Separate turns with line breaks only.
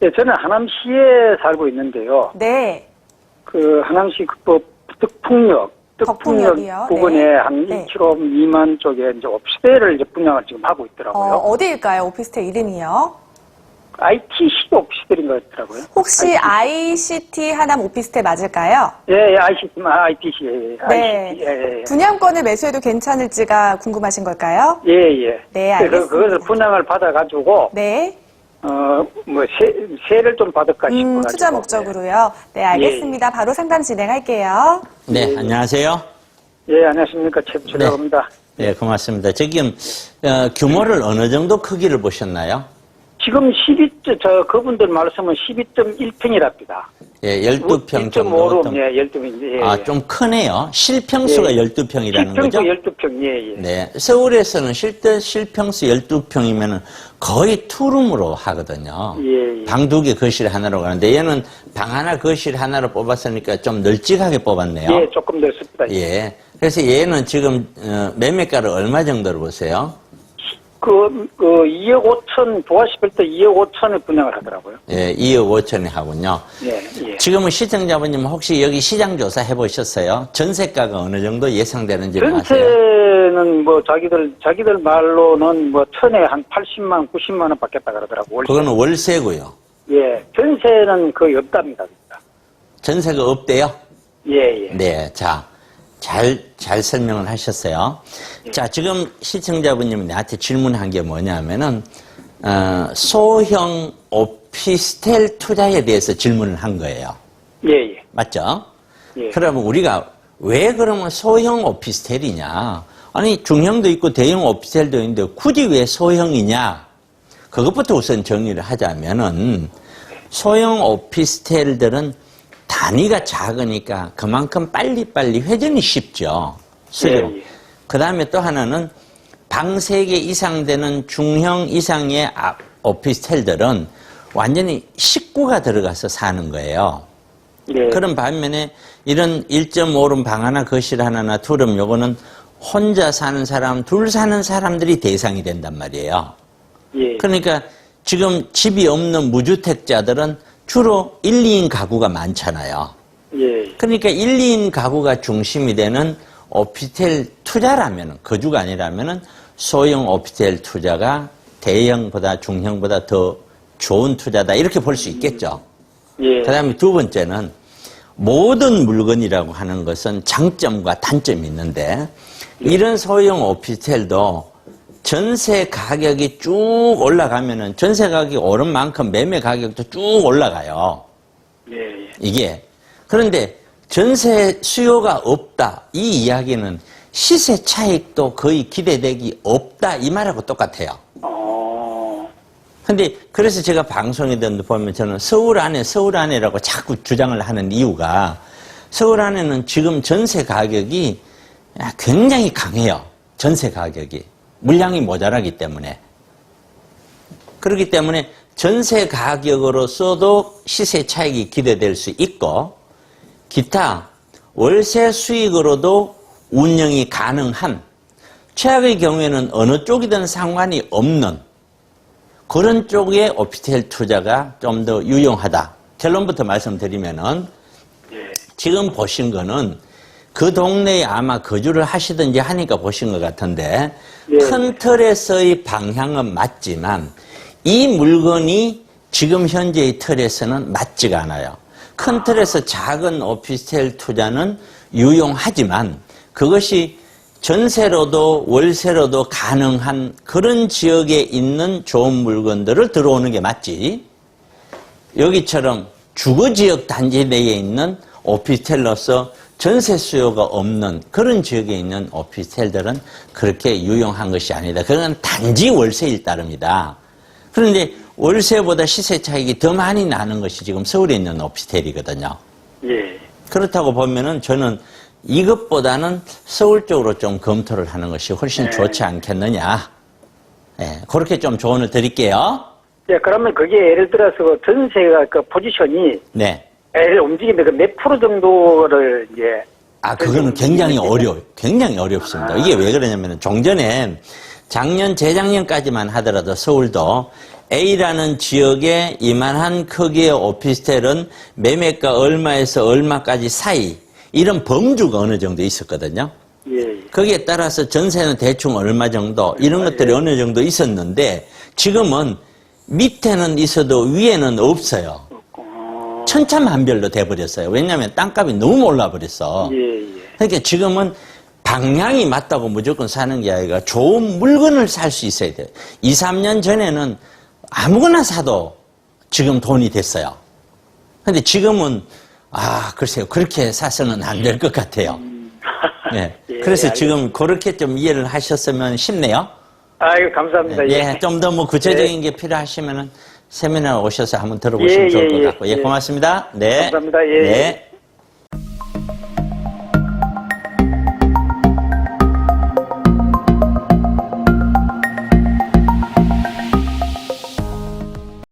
예, 저는 하남시에 살고 있는데요.
네.
그 하남시 덕풍역
덕풍역이요?
부근에
네.
한
네.
1km 미만 쪽에 이제 오피스텔을 이제 분양을 지금 하고 있더라고요.
어디일까요? 오피스텔 이름이요?
ITC 오피스텔인 것 같더라고요.
혹시 ICT 하남 오피스텔 맞을까요?
예, ITC,
네.
ICT, 예.
분양권을 매수해도 괜찮을지가 궁금하신 걸까요?
예.
네, 알겠습니다.
그것을 분양을 받아가지고,
네.
세를 좀 받을까 싶어가지고.
투자 목적으로요. 네, 알겠습니다. 바로 상담 진행할게요.
네, 안녕하세요.
예, 안녕하십니까. 최부철입니다.
네, 고맙습니다. 지금 규모를 어느 정도 크기를 보셨나요?
지금 그분들 말씀은 12.1평이랍니다.
예, 12평 정도.
1.5룸, 예, 12평. 예,
아, 좀 크네요. 실평수가
예.
12평이라는 거죠?
실평수 12평, 예.
네, 서울에서는 실평수 12평이면 거의 투룸으로 하거든요.
예.
방 2개, 거실 하나로 가는데 얘는 방 하나, 거실 하나로 뽑았으니까 좀 널찍하게 뽑았네요.
예, 조금 넓습니다.
예. 그래서 얘는 지금 매매가를 얼마 정도로 보세요?
2억 5천, 보아시필 때 2억 5천에 분양을 하더라고요.
예, 2억 5천에 하군요.
예.
지금은 시청자분님 혹시 여기 시장 조사 해보셨어요? 전세가가 어느 정도 예상되는지 아세요?
전세는 자기들 말로는 천에 한 80만, 90만 원 받겠다 그러더라고요.
그거는 월세고요.
예, 전세는 거의 없답니다. 진짜.
전세가 없대요?
예.
네, 자, 잘 설명을 하셨어요. 자, 지금 시청자분님이 나한테 질문한 게 뭐냐면은, 소형 오피스텔 투자에 대해서 질문을 한 거예요.
예.
맞죠?
예.
그러면 우리가 왜 그러면 소형 오피스텔이냐? 아니, 중형도 있고 대형 오피스텔도 있는데 굳이 왜 소형이냐? 그것부터 우선 정리를 하자면은, 소형 오피스텔들은 단위가 작으니까 그만큼 빨리빨리 회전이 쉽죠. 수요.
예.
그 다음에 또 하나는 방 3개 이상 되는 중형 이상의 오피스텔들은 완전히 식구가 들어가서 사는 거예요.
예.
그런 반면에 이런 1.5룸 방 하나, 거실 하나나 투룸 요거는 혼자 사는 사람, 둘 사는 사람들이 대상이 된단 말이에요.
예.
그러니까 지금 집이 없는 무주택자들은 주로 1, 2인 가구가 많잖아요.
예.
그러니까 1, 2인 가구가 중심이 되는 오피스텔 투자라면, 거주가 아니라면 소형 오피스텔 투자가 대형보다 중형보다 더 좋은 투자다 이렇게 볼 수 있겠죠.
예.
그 다음에 두 번째는 모든 물건이라고 하는 것은 장점과 단점이 있는데 이런 소형 오피스텔도 전세 가격이 쭉 올라가면은 전세 가격이 오른 만큼 매매 가격도 쭉 올라가요.
예.
이게. 그런데 전세 수요가 없다. 이 이야기는 시세 차익도 거의 기대되기 없다. 이 말하고 똑같아요. 근데 그래서 제가 방송에도 보면 저는 서울 안에라고 자꾸 주장을 하는 이유가 서울 안에는 지금 전세 가격이 굉장히 강해요. 전세 가격이. 물량이 모자라기 때문에. 그렇기 때문에 전세 가격으로서도 시세 차익이 기대될 수 있고 기타 월세 수익으로도 운영이 가능한 최악의 경우에는 어느 쪽이든 상관이 없는 그런 쪽의 오피스텔 투자가 좀 더 유용하다. 결론부터 말씀드리면은 지금 보신 거는 그 동네에 아마 거주를 하시든지 하니까 보신 것 같은데 큰 틀에서의 방향은 맞지만 이 물건이 지금 현재의 틀에서는 맞지가 않아요. 큰 틀에서 작은 오피스텔 투자는 유용하지만 그것이 전세로도 월세로도 가능한 그런 지역에 있는 좋은 물건들을 들어오는 게 맞지. 여기처럼 주거지역 단지 내에 있는 오피스텔로서 전세 수요가 없는 그런 지역에 있는 오피스텔들은 그렇게 유용한 것이 아니다. 그건 단지 월세일 따름이다. 그런데 월세보다 시세 차익이 더 많이 나는 것이 지금 서울에 있는 오피스텔이거든요.
예.
그렇다고 보면은 저는 이것보다는 서울 쪽으로 좀 검토를 하는 것이 훨씬 좋지 않겠느냐. 예, 그렇게 좀 조언을 드릴게요.
예, 그러면 그게 예를 들어서 전세가 그 포지션이
네.
움직이는데 몇 프로 정도를 이제
그거는 굉장히 어려워요. 굉장히 어렵습니다. 이게 왜 그러냐면 종전에 작년, 재작년까지만 하더라도 서울도 A라는 지역에 이만한 크기의 오피스텔은 매매가 얼마에서 얼마까지 사이 이런 범주가 어느 정도 있었거든요.
예.
거기에 따라서 전세는 대충 얼마 정도 이런 것들이 어느 정도 있었는데 지금은 밑에는 있어도 위에는 없어요. 천차만별로 돼버렸어요. 왜냐하면 땅값이 너무 올라버렸어.
예.
그러니까 지금은 방향이 맞다고 무조건 사는 게 아니라 좋은 물건을 살 수 있어야 돼요. 2, 3년 전에는 아무거나 사도 지금 돈이 됐어요. 근데 지금은 글쎄요. 그렇게 사서는 안 될 것 같아요. 네.
예,
그래서
알겠습니다.
지금 그렇게 좀 이해를 하셨으면 싶네요.
아이고, 감사합니다.
예, 좀 더 뭐 구체적인 게 필요하시면은 세미나 오셔서 한번 들어보시면 좋을 것 같고. 예, 고맙습니다. 네.
감사합니다. 예.
네.